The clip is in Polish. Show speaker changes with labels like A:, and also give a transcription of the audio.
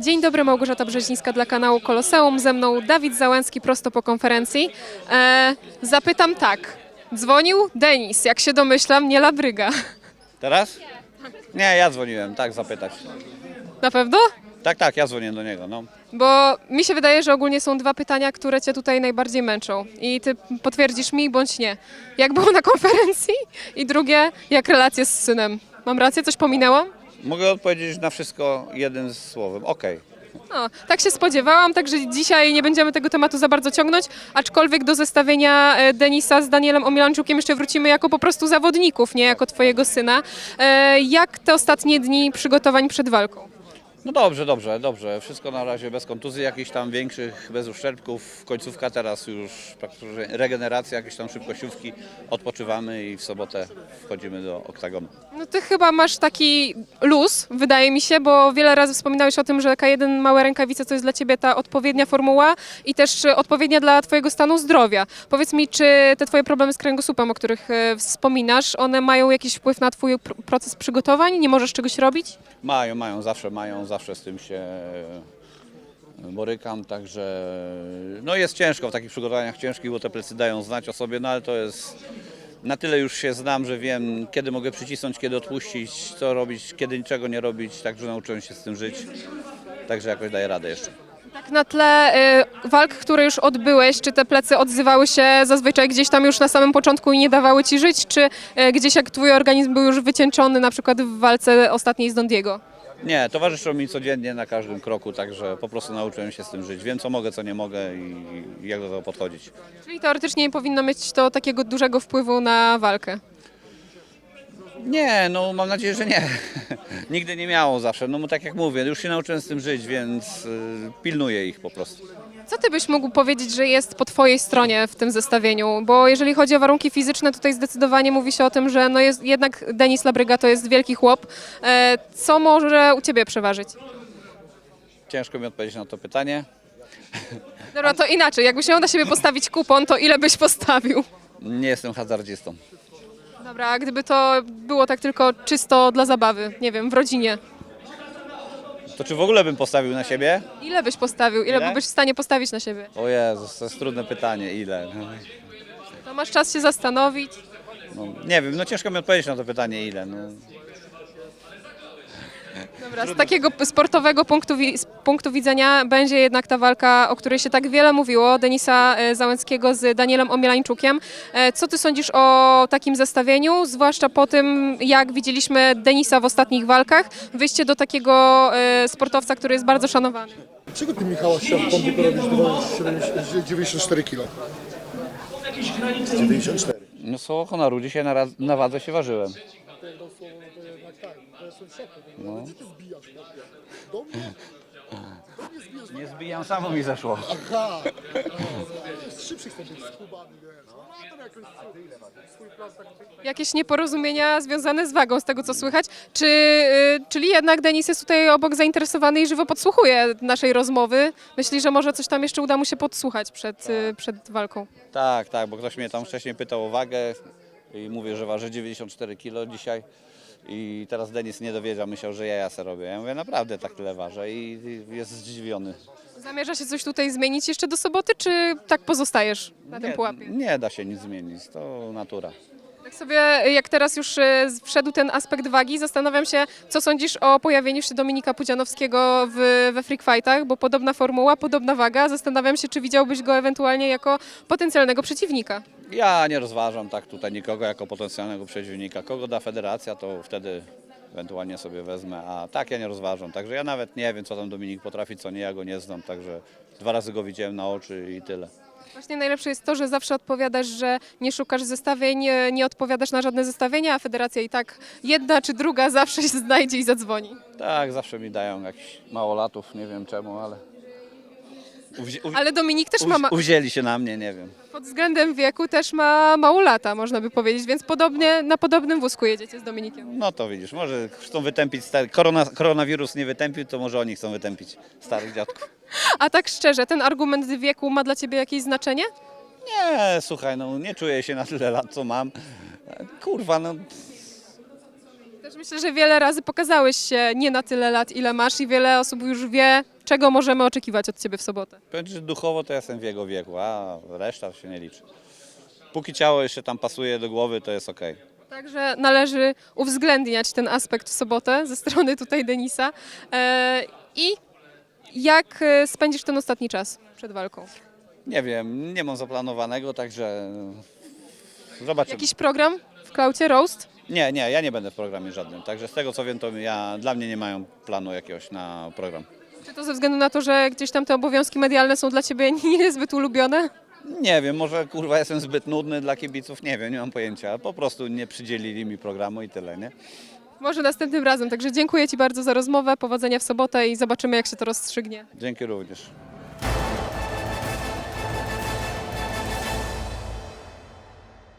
A: Dzień dobry, Małgorzata Brzezińska dla kanału Koloseum. Ze mną Dawid Załęcki prosto po konferencji. Zapytam tak. Dzwonił Denis, jak się domyślam, nie Labryga.
B: Teraz? Nie, ja dzwoniłem, tak zapytać.
A: Na pewno?
B: Tak, ja dzwonię do niego, no.
A: Bo mi się wydaje, że ogólnie są dwa pytania, które cię tutaj najbardziej męczą. I ty potwierdzisz mi bądź nie. Jak było na konferencji? I drugie, jak relacje z synem? Mam rację? Coś pominęłam?
B: Mogę odpowiedzieć na wszystko jednym słowem. Okej.
A: No, tak się spodziewałam, także dzisiaj nie będziemy tego tematu za bardzo ciągnąć, aczkolwiek do zestawienia Denisa z Danielem Omielańczukiem jeszcze wrócimy jako po prostu zawodników, nie jako twojego syna. Jak te ostatnie dni przygotowań przed walką?
B: No dobrze. Wszystko na razie bez kontuzji jakichś tam większych, bez uszczerbków. Końcówka teraz już praktycznie regeneracja, jakieś tam szybkościówki. Odpoczywamy i w sobotę wchodzimy do oktagonu.
A: No ty chyba masz taki luz, wydaje mi się, bo wiele razy wspominałeś o tym, że K1 małe rękawice to jest dla ciebie ta odpowiednia formuła i też odpowiednia dla twojego stanu zdrowia. Powiedz mi, czy te twoje problemy z kręgosłupem, o których wspominasz, one mają jakiś wpływ na twój proces przygotowań? Nie możesz czegoś robić?
B: Zawsze z tym się borykam, także no jest ciężko w takich przygotowaniach ciężkich, bo te plecy dają znać o sobie, no ale to jest, na tyle już się znam, że wiem, kiedy mogę przycisnąć, kiedy odpuścić, co robić, kiedy niczego nie robić, także nauczyłem się z tym żyć, także jakoś daję radę jeszcze.
A: Tak na tle walk, które już odbyłeś, czy te plecy odzywały się zazwyczaj gdzieś tam już na samym początku i nie dawały ci żyć, czy gdzieś jak twój organizm był już wycieńczony, na przykład w walce ostatniej z Dondiego?
B: Nie, towarzyszą mi codziennie na każdym kroku, także po prostu nauczyłem się z tym żyć. Wiem, co mogę, co nie mogę i jak do tego podchodzić.
A: Czyli teoretycznie nie powinno mieć to takiego dużego wpływu na walkę.
B: Nie, no mam nadzieję, że nie. Nigdy nie miało zawsze. No tak jak mówię, już się nauczyłem z tym żyć, więc pilnuję ich po prostu.
A: Co ty byś mógł powiedzieć, że jest po twojej stronie w tym zestawieniu? Bo jeżeli chodzi o warunki fizyczne, tutaj zdecydowanie mówi się o tym, że no jest, jednak Denis Labryga to jest wielki chłop. Co może u ciebie przeważyć?
B: Ciężko mi odpowiedzieć na to pytanie.
A: Dobra, to inaczej. Jakbyś miał na siebie postawić kupon, to ile byś postawił?
B: Nie jestem hazardzistą.
A: Dobra, a gdyby to było tak tylko czysto dla zabawy, nie wiem, w rodzinie,
B: To czy w ogóle bym postawił na siebie?
A: ile byś postawił? Ile
B: Ile?
A: byłbyś w stanie postawić na siebie?
B: O Jezus, to jest trudne pytanie. Ile?
A: To masz czas się zastanowić.
B: No, nie wiem, no ciężko mi odpowiedzieć na to pytanie ile. No.
A: Dobra, z takiego sportowego z punktu widzenia będzie jednak ta walka, o której się tak wiele mówiło, Denisa Załęckiego z Danielem Omielańczukiem. Co ty sądzisz o takim zestawieniu, zwłaszcza po tym, jak widzieliśmy Denisa w ostatnich walkach, wyjście do takiego sportowca, który jest bardzo szanowany?
C: Dlaczego ty, Michała, się w Pompiku robisz 94 kg? 94.
B: No słowo honoru, dzisiaj na wadze się ważyłem. No. Nie zbijam, samo mi zeszło.
C: Aha! Jest szybszy chcę być z Kubami, wiesz. No ma tam jakąś swój plan taki.
A: Jakieś nieporozumienia związane z wagą, z tego co słychać. Czyli jednak Denis jest tutaj obok zainteresowany i żywo podsłuchuje naszej rozmowy. Myśli, że może coś tam jeszcze uda mu się podsłuchać przed walką.
B: Tak, bo ktoś mnie tam wcześniej pytał o wagę i mówię, że waży 94 kg dzisiaj. I teraz Denis nie dowiedział, myślał, że ja se robię. Ja mówię, naprawdę tak tyle ważę i jest zdziwiony.
A: Zamierza się coś tutaj zmienić jeszcze do soboty, czy tak pozostajesz na tym pułapie?
B: Nie da się nic zmienić, to natura.
A: Tak sobie, jak teraz już wszedł ten aspekt wagi, zastanawiam się, co sądzisz o pojawieniu się Dominika Pudzianowskiego we Freak Fightach, bo podobna formuła, podobna waga. Zastanawiam się, czy widziałbyś go ewentualnie jako potencjalnego przeciwnika.
B: Ja nie rozważam tak tutaj nikogo jako potencjalnego przeciwnika. Kogo da federacja, to wtedy ewentualnie sobie wezmę, a tak ja nie rozważam. Także ja nawet nie wiem, co tam Dominik potrafi, co nie, ja go nie znam, także 2 razy go widziałem na oczy i tyle.
A: Właśnie najlepsze jest to, że zawsze odpowiadasz, że nie szukasz zestawień, nie odpowiadasz na żadne zestawienia, a federacja i tak jedna czy druga zawsze się znajdzie i zadzwoni.
B: Tak, zawsze mi dają jakichś małolatów, nie wiem czemu, ale
A: Ale Dominik też
B: uwzięli się na mnie, nie wiem.
A: pod względem wieku też ma mało lata, można by powiedzieć, więc na podobnym wózku jedziecie z Dominikiem.
B: No to widzisz, może chcą wytępić, koronawirus nie wytępił, to może oni chcą wytępić starych dziadków.
A: A tak szczerze, ten argument wieku ma dla ciebie jakieś znaczenie?
B: Nie, słuchaj, no nie czuję się na tyle lat, co mam. Kurwa, no
A: Też myślę, że wiele razy pokazałeś się nie na tyle lat, ile masz i wiele osób już wie, Czego możemy oczekiwać od Ciebie w sobotę?
B: Powiem ci, że duchowo to ja jestem w jego wieku, a reszta się nie liczy. Póki ciało jeszcze tam pasuje do głowy, to jest okej.
A: Także należy uwzględniać ten aspekt w sobotę ze strony tutaj Denisa. I jak spędzisz ten ostatni czas przed walką?
B: Nie wiem, nie mam zaplanowanego, także zobaczymy.
A: Jakiś program w Klaucie, roast?
B: Nie, ja nie będę w programie żadnym, także z tego co wiem, to dla mnie nie mają planu jakiegoś na program.
A: Czy to ze względu na to, że gdzieś tam te obowiązki medialne są dla Ciebie niezbyt ulubione?
B: Nie wiem, może kurwa jestem zbyt nudny dla kibiców, nie wiem, nie mam pojęcia. Po prostu nie przydzielili mi programu i tyle, nie?
A: Może następnym razem. Także dziękuję Ci bardzo za rozmowę, powodzenia w sobotę i zobaczymy, jak się to rozstrzygnie.
B: Dzięki również.